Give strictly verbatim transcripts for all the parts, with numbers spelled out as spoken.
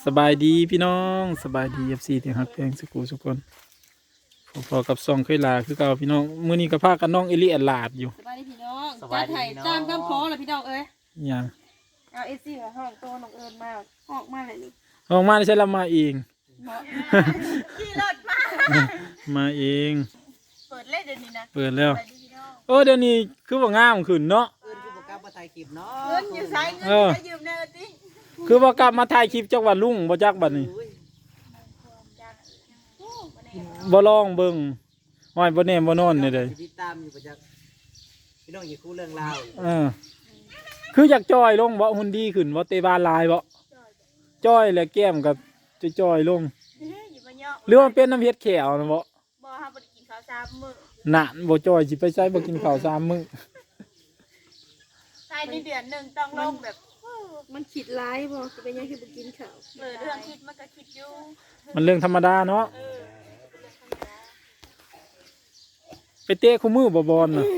สบายดีพี่น้องสบายดีเอฟซีที่ฮักเพลงสกูทุกคนพอกับซองเคยลาคือเก่าพี่น้องมื้อนี้ก็พากันน้องเอลี่แอลาดอยู่สบายดีพี่น้องจัดไถ่ตามคำขอเลยพี่น้องเอ้ยอย่างเอาเอซี่กับห้องตัวน้องเอิญมาห้องมาเลยนี่ห้องมาได้ใช้ละมาเองขี่รถมามาเองเปิดเล่นเดี๋ยวนี้นะเปิดแล้วโอ้เดี๋ยวนี้คือว่างามขึ้นเนาะเอิญคือบอกกลับมาถ่ายคลิปเนาะเงินอยู่ไซเงินจะยืมแน่ติคือว่ากลับมาถ่ายคลิปจักว่าลุงบ่จักบัดนี้บ่ลองเบิ่งห้อยบ่แน่บ่นอนนี่เด้ติดตามอยู่ประจักษ์พี่น้องอย่าคู่เรื่องราวเออคืออยากจอยลงบ่หุ่นดีขึ้นบ่เตะบาลลายบ่จอยแล้วแก้มก็จะจอยลงหรือว่าเป็นน้ำเฮ็ดแขวนะบ่บ่ฮะบ่ได้กินข้าวสามมื้อน่ะบ่จอยสิไปใช้บ่กินข้าวสามมื้อใช่ในเดือนนึงต้องลงแบบมันคิดร้ายบ่สิเป็นยังคือบ่กินข้าวเออเรื่องคิดมันก็คิดอยู่มันเรื่องธรรมดาเนาะไปเตะคู่มือบ่บอลน่ะ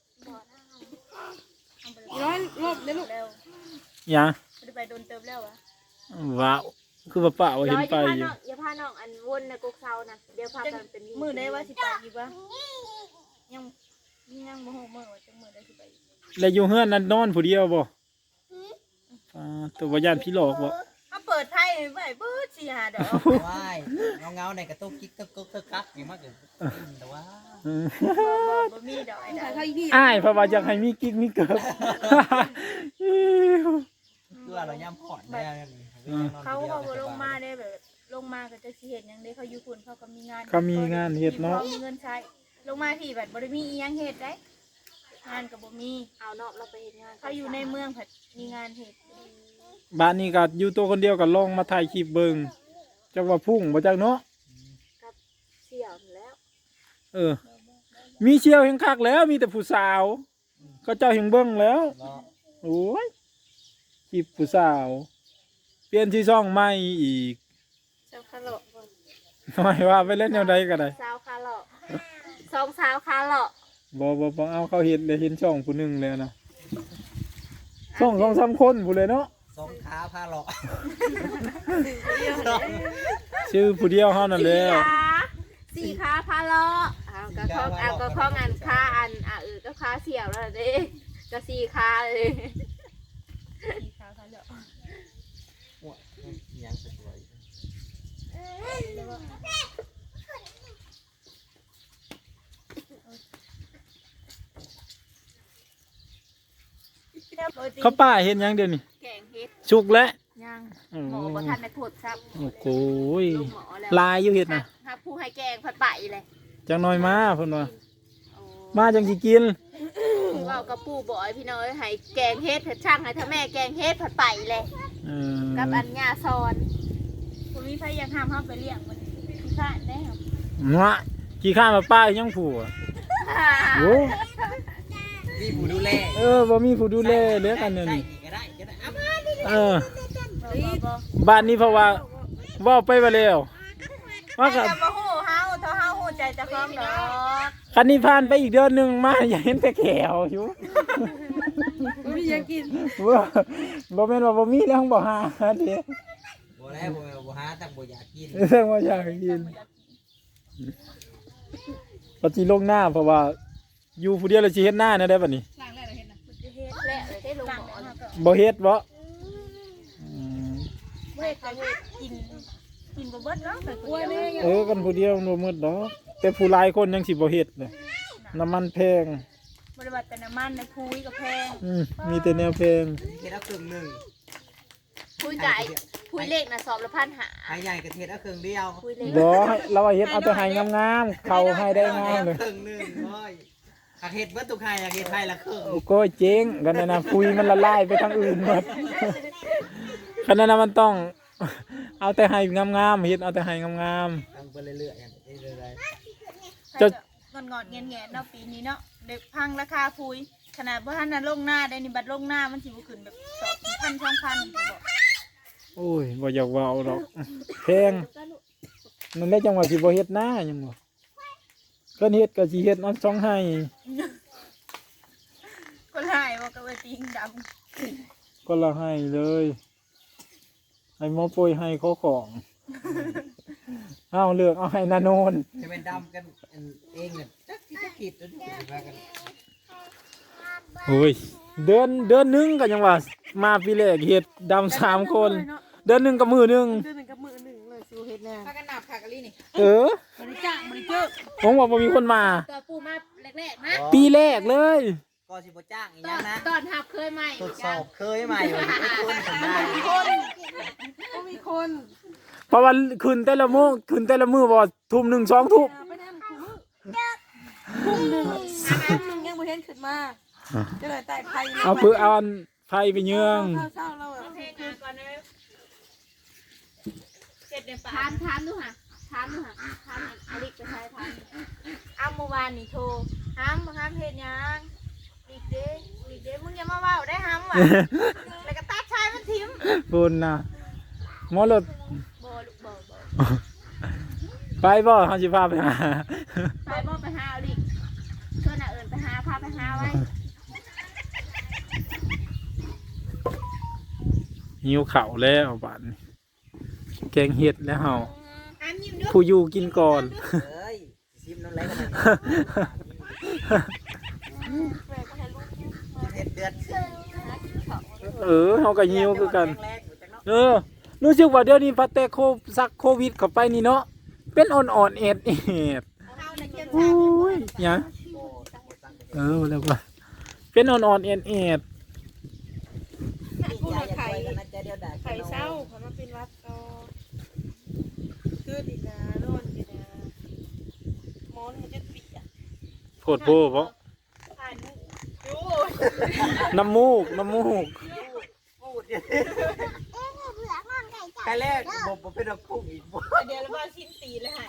ร้อนรอบเด้อลูกหยังบ่ได้ไปโดนเติบแล้วอ่ะว้าวคือว่าป้าว่าเห็นไปอยู่อย่าพาน้องอันวนนะกกเซานะเดี๋ยวพากันเป็นมื้อใดว่าสิไปอีกวะยังยังบ่ฮู้มื้อว่าจังมื้อใดสิไปแล้วอยู่เฮือนนั้นนอนผู้เดียวบ่อ่าตัวบ่ย่านพี่หลอกบ่มาเปิดไพ่ไว้เบิดสิหาดอกว้ายเงาๆในกระตุกกิ๊กตึกตึกกักอย่างมากเลยแต่ว่าบ่มีดอกไอ้ดอกอ้ายเพราะว่าอยากให้มีกิ๊กมีเกิบคือเราย่ำขอดแน่เขาเขาบ่ลงมาได้แบบลงมาก็จะสิเฮ็ดหยังได้เขาอยู่พุ่นเขาก็มีงานเขามีงานเฮ็ดเนาะมีเงินใช้ลงมาที่แบบบ่ได้มีอีหยังเฮ็ดได้งานก็บ่มีเอาเนาะเราไปเฮ็ดงานเขาอยู่ในเมืองผัดมีงานเฮ็ดบ้านนี้ก็อยู่ตัวคนเดียวก็ลองมาถ่ายคลิปเบิ่งจักว่าพุ่งบ่จักเนาะกับเสี่ยวแล้วเออมีเชี่ยวแห่งคักแล้วมีแต่ผู้สาวก็เจ้าแห่งเบิ่งแล้วโอ้ยคลิปผู้สาวเปลี่ยนที่ช่องใหม่อีกสาวคาโลทำไมว่าไปเล่นแนวใดก็ได้สาวคาโลสองสาวคาโลบ่บ่บ่เอาเขาเห็นเลยเห็นช่องผู้นึงแล้วนะช่องสองสามคนผู้เลยเนาะสองขาพาหลอกชื่อผู้เดียวเฮานั่นแหละสี่ขาพาโลเอาก็ข้องเอาก็ข้องอันขาอันอ่ะเออก็ขาเสี่ยวแล้วเด้ก็สี่ขาเลยสี่ขาพาโลยังสวยเขาป้าเห็นยังเดี๋ยวนี้แกงเห็ดชุกแล้วยังหมอบ่ทันได้พูดครับโอ้โหลายอยู่เห็ดนะถ้าผู้ให้แกงผัดไปเลยจังน้อยมาเพิ่นว่ามาจังสิกินว่ากับปู่บ่อยพี่น้อยให้แกงเห็ดเผ็ดช่างให้ถ้าแม่แกงเห็ดผัดไปเลยกับอันญาซอนบ่มีใครอยากห้ามเฮาไปเลี้ยงมันขี้ข้านได้ครับเนาะขี้ข้านมาป้ายังผัวโอ้มีผู้ดูแลเออบ่มีผู้ดูแลเหลือกันเนี่ยนี่เออบ้านนี้เพราะว่าว่าไปไปแล้วว่ากับบ่ฮู้เฮาเท่าเฮาฮู้ใจเจ้าของดอกคันนี้ผ่านไปอีกเดือนนึงมาอย่าเห็นแต่แขวอยู่บ่มีหยังกินบ่บ่แม่นว่าบ่มีแล้วบ่หาเด้บ่แล้วบ่บ่หาแต่บ่อยากกินแต่บ่อยากกินปฏิลงหน้าเพราะว่าอยู่ผู้เดียวแล้วสิเฮ็ดหน้าแนวใดบัดนี้ล้างแล้วเฮ็ดน่ะเฮ็ดแล้วเฮ็ดลงหม้อบ่เฮ็ดบ่เฮ็ดก็เฮ็ดกินกินบ่เบิดเนาะแต่ผู้เดียวเออกันผู้เดียวบ่หมดดอกแต่ผู้หลายคนยังสิบ่เฮ็ดเลยน้ำมันแพงบ่ได้ว่าแต่น้ำมันในภูยก็แพงอืมมีแต่แนวแพงเฮ็ดเอาครึ่งนึงภูยไก่ภูยเล็กน่ะสอบละพันห้าหายใหญ่ก็เฮ็ดเอาครึ่งเดียวบ่เราเฮ็ดเอาแต่ให้งามๆเข้าให้ได้งามเลยครึ่งนึงโอ้ยถ้าเฮ็ดเบิดทุกให้อยากเฮ็ดให้ละครึ่งโอ้ยเจ๊งกันนะภูยมันละลายไปทางอื่นหมดขนาดนั้นมันต้องเอาแต่ให้งามๆเฮ็ดเอาแต่ให้งามๆทำไปเรื่อยๆอย่างนี้เรื่อยๆจะงอนๆแงะๆเนาะปีนี้เนาะเด็กพังราคาภูยขนาดบ่ทันน่ะลงหน้าได้นี่บัดลงหน้ามันสิบ่ขึ้นแบบสองพัน สองพันบ่โอ้ยบ่อยากว่าเอาดอกแพงมันได้จังหวะสิบ่เฮ็ดหน้าหยังบ่ก็เฮ็ดก็สิเฮ็ดเอาช่องให้ก็หายบ่ก็ว่าติงดำก็ละให้เลยให้หมอโปรยให้เขาของเอาเลือกเอาให้นาโนนจะเป็นดำกันเองเนี่ยจักที่จะคิดแล้วว่ากันโอ้ยเดือนเดือนหนึงก็ยังว่ามาปีแรกเฮ็ดดำสามคน เดือนหนึงกับมือหนึงเดือนหนึ่งกับมือหนึ่งเลยสิวเฮ็ดแน่พากันหนับขากะลี่นี่เออบ่ได้จ้างบ่ได้เจอผมว่าบ่มีคนมาตัวปูมาแรกๆนะปีแรกเลยก็สิบ่จ้างอีกตยัอง นนะตอนหับเคยไหมทดสอบเคยมาอยู่ไอ้คนทำได้คนก็มีคนเพราะว่าขึ้นแต่ละมื้อขึ้นแต่ละมื้อบ่ทุ่มหนึ่งสองทุ่มไปนั่นคุมือทุ่มหนึ่งทุ่มหนึ่งยังบ่เห็นขึ้นมาจะเลยใต้ไผ่เอาเพื่อเอาอันไฟไปเยืองเศร้าๆเราอะเพลงงานก่อนนะเจ็ดเดือนปถามถามดูค่ะถามดูค่ะถามอลิกไปใช้ถามอ้าเมื่อวานนี่โทรห้ามห้ามเฮ็ดหยังอีกเด้อีกเด้มึงอย่ามาเว้าได้ห้ามว่ะแล้วก็ตัดชายมันทิ้มบุญนะหมอรถบ่ลูกบ่บ่ไปบ่เฮาสิพาไปหาไปบ่ไปหาอลิกเพื่อนน่ะเอิญไปหาพาไปหาไว้หิวข้าวแล้วบัดนี้แกงเห็ดแล้วเฮาห้ามยิ้มด้วยผู้อยู่กินก่อนเอ้ยซิมน้ำไหลกันเลยเฮ็ดเดือดเออเฮาก็หิวคือกันแรกๆอยู่จังเนาะเออ รู้สึกว่าเดี๋ยวนี้พัดแต่โคซักโควิดเข้าไปนี่เนาะเป็นอ่อนๆเอ็ดเอ็ดเอาในเกมโอ้สามยหยังโอ้จังบ่จังเออแล้วว่าเป็นอ่อนๆเอ็ดเอ็ดกูน่ะไข่กันนะจะเดียวได้ไข่เศร้าเขามาเป็นวัดต่อคือดินะนอนดินะหมอนมันจะปิดอ่ะโพดโพเพราะถ่ายมุกดูน้ำมูกน้ำมูกพูดดิใครแรกบ่บ่เป็นดอกพุ่งอีกบ่เดี๋ยวเราว่าชิ้นตีเลยหาย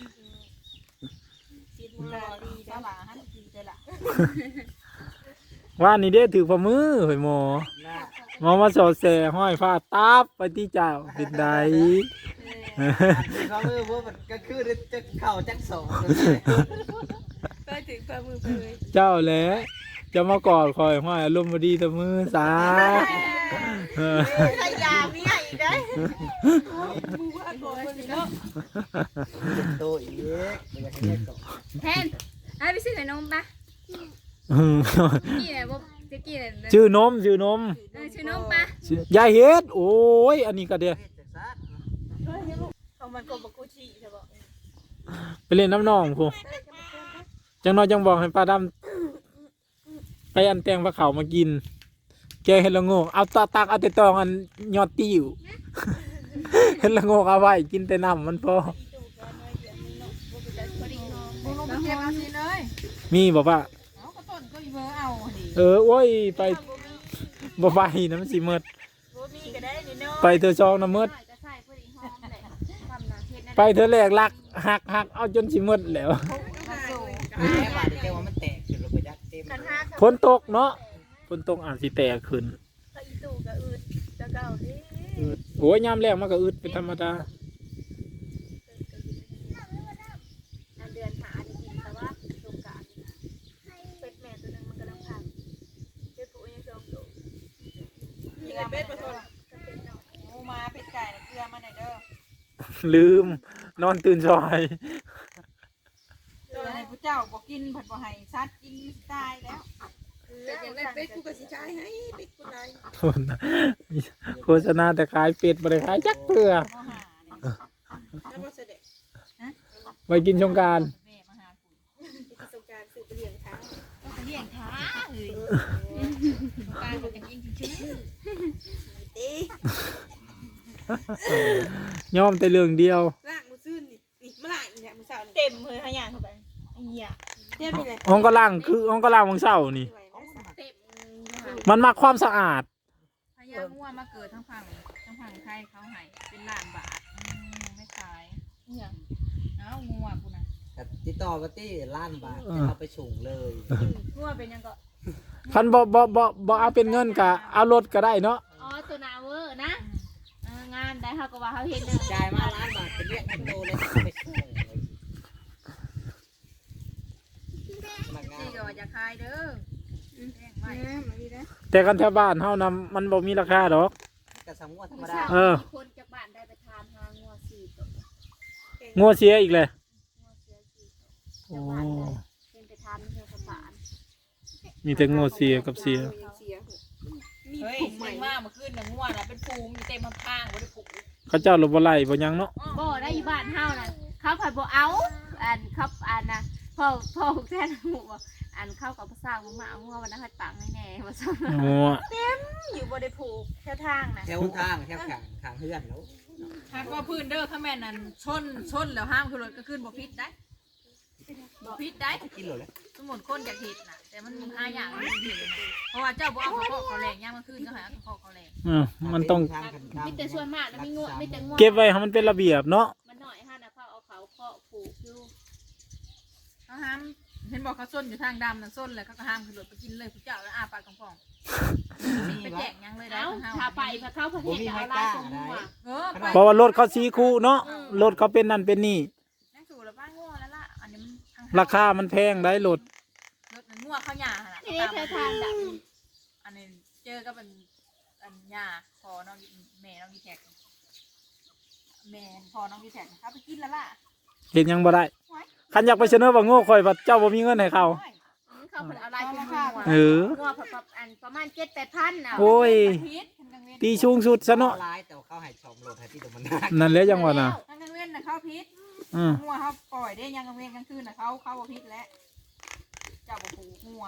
ชิ้นมึงรอดีเด้อหล่ะฮันดีเด้อล่ะว่านี่เด้ถือฝ่ามือเฮ้ยหมอน่ะหมอมาสอดแสห้อยฟ้าตับไปที่เจ้าเป็นใดอันที่เขามือพวกมันก็คือจะเข้าจักสองได้ถึงฝ่ามือไปเลยเจ้าแหละจะมากอดคอยห้อยอารมณ์บดีแตะมือสาเออใส่ยามีให้อีกได้มือว่าก่อนคนนี้เนาะโตอีกบ่อยากให้แยกต่อแทนไอ้ไปซื้อขนมปะกี่เนี่ยบ่จะกี่เนี่ยชื่อนมชื่อนมเออชื่อนมปะชื่อยายเฮ็ดโอ้ยอันนี้ก็เดียวเฮ็ดจักซัดเขามันก็บอกกูชี้ใช่ปะไปเล่นน้ำนองพูจังน้อยจังบอกให้ป้าดำไปอันแตงปลาเขามากิน แกเห็ดละโงกเอาตาตักเอาแต่ตองอันยอดติ้ว เห็ดละโงกเอาไว้กินแต่น้ำมันพอมึงลงไปเก็บเอาสิเลยมีบอกว่าเอากระต้นก็อีเบอร์เอาดิเออโอ้ยไปบ่ไปน้ำสิเมดบ่มีก็ได้นี่เนาะไปเธอซองน้ำเมดก็ใส่พอดีหอมแหละทำนาเฮ็ดนั่นไปเธอแรกลักหักหักเอาจนสิเมดแล้วแม่บาดเจ็บว่ามันแตกขึ้นลงไปยักเต็มกันห้ากับฝนตกเนาะฝนตกอาจสิแตกขึ้นก็อีตู่กับอืดจะเก่าดิอืดโอ้ยยามแรกมันก็อึดเป็นธรรมดาอันเดือนหาอันกินแต่ว่าสงกรานต์เป็ดแม่ตัวนึงมันกำลังพังเจ้าปู่ยังจองตัวมีอะไรเป็ดมาทนก็เป็นเนาะหมูมาเป็ดไก่เกลือมาหน่อยเด้อลืมนอนตื่นซอยเกลือให้ผู้เจ้าบอกกินผัดบ่ให้ซัดกินตายแล้วเป็ดยังได้เป็ดกูก็สิใช้ให้เป็ดกูได้โฆษณาแต่ขายเป็ดบ่ได้ขายจักเตือมาหาเนี่ยแล้วบ่เสด็จไปกินสงกรารแม่มาหากูไปสงการสืบไปเลี้ยงช้างไปเลี้ยงท้าเอ้ยการบอกกันเองจริงยอมแต่เรื่องเดียวๆล่างมือซื่นนี่นี่มาล่างอีเนี่ยมือเสาร์นี่เต็มเลยขยันเข้าไปไอ้เหี้ยเต็มเลยห้องก็ล่างคือห้องก็ล่างของเศร้านี่เต็มมันมาความสะอาดพญางัวมาเกิดทั้งฝั่งทั้งฝั่งไทยเขาให้เป็นล้านบาทอืมไม่ขายเนี่ยเอ้างัวกูนะติดต่อมาที่ล้านบาทจะเอาไปส่งเลยงัวเป็นยังก็คันบ่บ่บ่บ่เอาเป็นเงินก็เอารถก็ได้เนาะอ๋อตัวนาเวอร์นะเอองานได้เขาก็ว่าเขาเห็นเด้อจ่ายมาล้านบาทเป็นเรียกคอนโดเลยไปส่งเลยพนักงานนี่ก็ว่าจะขายเด้อแจ้งไว้มาดีนะแต่กันแถวบ้านเฮานำมันบ่มีราคาดอกกระสังวัวธรรมผู้ดาสาวเออมีคนจากตัวงัวเสียอีกเลยงัวเสียสี่ตัวโอ้เป็นไปทานเพื่อประสานมีแต่งัวเสียกับเสียเสียมีเฮ้ยถุงใหม่เสียงมากเมื่อคืนน่ะง่วงน่ะเป็นฟูงอยู่เต็มข้างๆบ่ได้ผูกเขาเจ้าลบบ่ไล่บ่ยังเนาะบ่ได้อยู่บ้านเฮาน่ะเขาผัดบ่เอาอันเขาอันน่ะพ่อพ่อแท้หมู่บ่อันเข้ากับภาษาบ่มาเอางัววันนั้นให้ปังแน่ๆว่าซั่นงัวอยู่บ่ได้ผูกแค่ทางนะแถวทางแถวขางขางเฮือนแล้วหากว่าพื้นเด้อข้าแม่นั่นชนชนแล้วห้ามคือรถก็ขึ้นบ่ผิดได้บ่ผิดได้กินหลดแล้วสมมุติคนอยากเฮ็ดน่ะแต่มันหาอย่างมันผิดนะเพราะว่าเจ้าบ่เอาเขาเขาแรงย่างมันขึ้นก็หาเขาเขาแรงอ่ามันต้องมีแต่ส่วนมากแล้วมีงัวมีแต่งัวเก็บไว้ให้มันเป็นระเบียบเนาะมันน้อยฮะนะเขาเอาเขาเคาะผูกอยู่เขาห้ามเห็นบอกเขาส้นอยู่ทางดำน่ะส้นเลยเขาก็ห้ามคือรถไปกินเลยผู้เจ้าแล้วอาปากกองฟองไปแจกยังเลยได้เอ้าทั้งห้าถ้าไปพระเข้าประเทศจะเอาลายตรงงัวเออไปเพราะว่ารถเขาสีคู่เนาะรถเขาเป็นนั่นเป็นนี่นั่งสู่แล้วป้าง่วแล้วล่ะอันนี้มันทางราคามันแพงได้รถรถมันง่วข้าวหยาขนาดนี่ได้เธอทานดับอันนี้เจอก็เป็นอันหยาพอน้องแม่น้องดีแท็กแม่พอน้องดีแท็กเขาไปกินแล้วล่ะเห็นยังบ่ได้คันอยากไปเสนอว่าโง่ข่อยว่าเจ้าบ่มีเงินให้เขาเขาผลเอาลายตรงงัวเอองัวประอันประมาณเจ็ดแปดพันเอาโอ้ยพิษทางกลางเว้นตีสูงสุดซะเนาะร้ายแต่ว่าเขาให้ชมรถให้ที่ตรงมันหนักนั่นแหละจังหวะน่ะทางกลางเว้นนะเขาพิษอืองัวเขาปล่อยได้ยังกลางเว้นกลางคืนนะเขาเขาบ่พิษแล้วเจ้าบ่ผูกงัว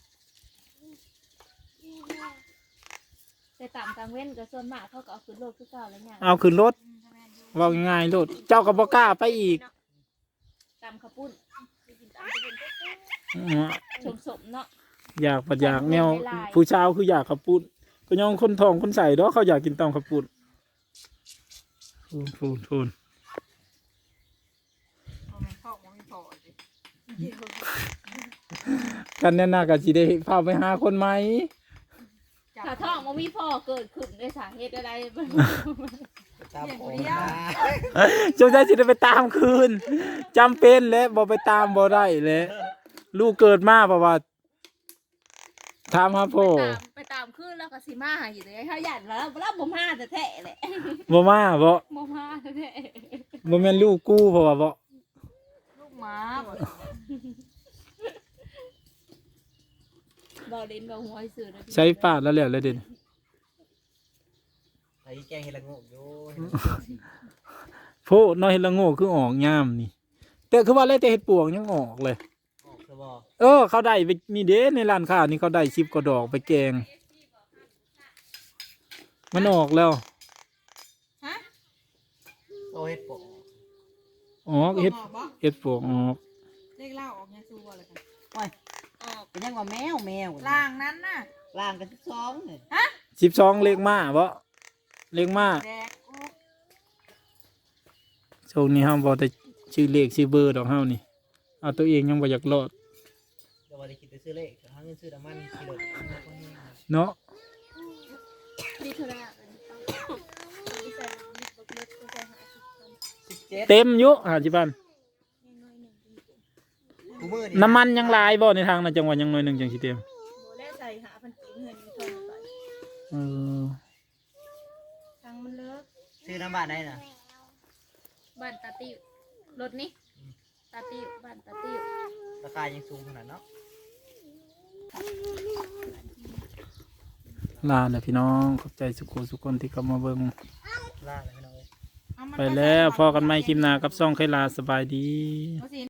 แต่ต่ำกลางเว้นก็ส่วนมากเขาก็เอาขึ้นโลกคือเก่าแล้วเนี่ยเอาขึ้นรถเว้าง่ายๆรถเจ้าก็บ่กล้าไปอีกตำข้าวปุ้นอือชมสมเนาะอยากปัดอยากแนวผู้ชาวคืออยากขับปุ้นก็ยองคนทองคนใส่เนาะเขาอยากกินตำขับปุ้นฟูนฟูนฟูนบ่แม่นพ่อบ่มีพ่อสิกันแน่น่าก็สิได้พาไปหาคนใหม่จับถ้าท้องมันมีพ่อเกิดขึ้นด้วยสาเหตุอะไรตามผมนะจงใจสิได้ไปตามคืนจำเป็นและบ่ไปตามบ่ได้และลูกเกิดมาเพราะว่าถามหาพ่อไปตามไปตามขึ้นแล้วก็สิมาหาอยู่เลยเขาหยันแล้วแล้วบ่มาแต่แท้แหละบ่มาบ่บ่มาแต่แท้บ่แม่นลูกกูเพราะว่าบ่ลูกหมาบ่บ่เล่นบ่หัวให้ซื้อนะใช้ปาดแล้วแล้วเลยเด่นไอ้แกงเฮลังโง่อยู่โพน้อยเฮ็ดละโง่คือออกยามนี่แต่คือว่าเลยแต่เฮ็ดปวกยังออกเลยออกสบอเออเขาได้ไปนี่เด้ในร้านค้านี่เขาได้สิบกว่าดอกไปแกง มันออกแล้วโอเฮ็ดปกออกเฮ็ดออกบ่เฮ็ดปวกออกเลขเล่าออกยังสู้บ่เลยกันโอ้ยเป็นยังว่าแมวแมวล่างนั้นน่ะล่างกันที่สองเนี่ยสิบสองเลขมาบ่เลขมาแดกอุ๊บช่วงนี้เฮาบ่ได้ชื่อเลขชื่อเบอร์ดอกเฮานี่เอาตัวเองยังบ่อยากรอดเดี๋ยววันนี้คิดไปซื้อเลขหาเงินซื้อน้ำมันกิโลเนาะนี่เท่าไหร่สิบเจ็ดเต็มอยู่ห้าสิบพันกูมือน้ำมันยังหลายบ่ในทางนั้นจังหวัดยังน้อยหนึงจังสิเต็มโบแล่ใส่หาพันกีเงินมีทองไปเออทางมันเลิกซื้อน้ำบ้านได้น่ะบ้านตาติ้วรถนี่ตาติ้วบ้านตาติ้วราคายังสูงขนาดเนาะลาแล้วพี่น้องขอบใจสุขุสุขคนที่เข้ามาเบิ่งล่าเลยพี่น้องเอ้ยเอามันไปแล้วพอกันใหม่คลิปหน้ากับซ่องไคลาสบายดีเอาสิ